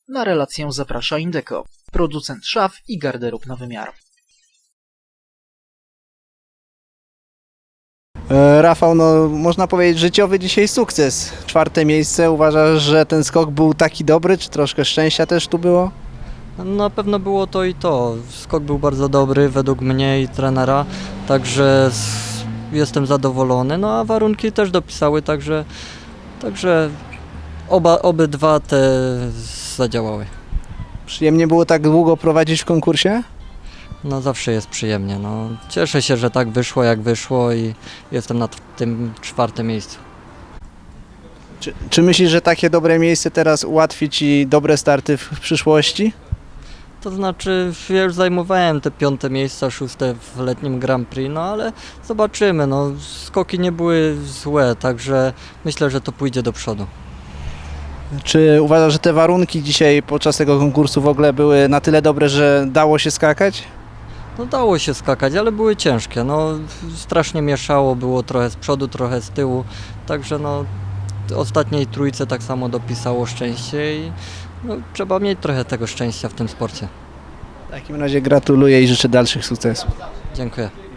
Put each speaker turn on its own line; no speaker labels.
Na relację zaprasza Indeco, producent szaf i garderób na wymiar.
Rafał, no można powiedzieć życiowy dzisiaj sukces. 4. miejsce. Uważasz, że ten skok był taki dobry, czy troszkę szczęścia też tu było?
Na pewno było to i to. Skok był bardzo dobry według mnie i trenera, także jestem zadowolony. No a warunki też dopisały, także obydwa te zadziałały.
Przyjemnie było tak długo prowadzić w konkursie?
No zawsze jest przyjemnie. No. Cieszę się, że tak wyszło jak wyszło i jestem na tym 4. miejscu.
Czy myślisz, że takie dobre miejsce teraz ułatwi Ci dobre starty w przyszłości?
To znaczy, ja już zajmowałem te 5. miejsca, 6. w letnim Grand Prix, no ale zobaczymy, no skoki nie były złe, także myślę, że to pójdzie do przodu.
Czy uważasz, że te warunki dzisiaj podczas tego konkursu w ogóle były na tyle dobre, że dało się skakać?
No dało się skakać, ale były ciężkie, no strasznie mieszało, było trochę z przodu, trochę z tyłu, także no ostatniej trójce tak samo dopisało szczęście i no, trzeba mieć trochę tego szczęścia w tym sporcie.
W takim razie gratuluję i życzę dalszych sukcesów.
Dziękuję.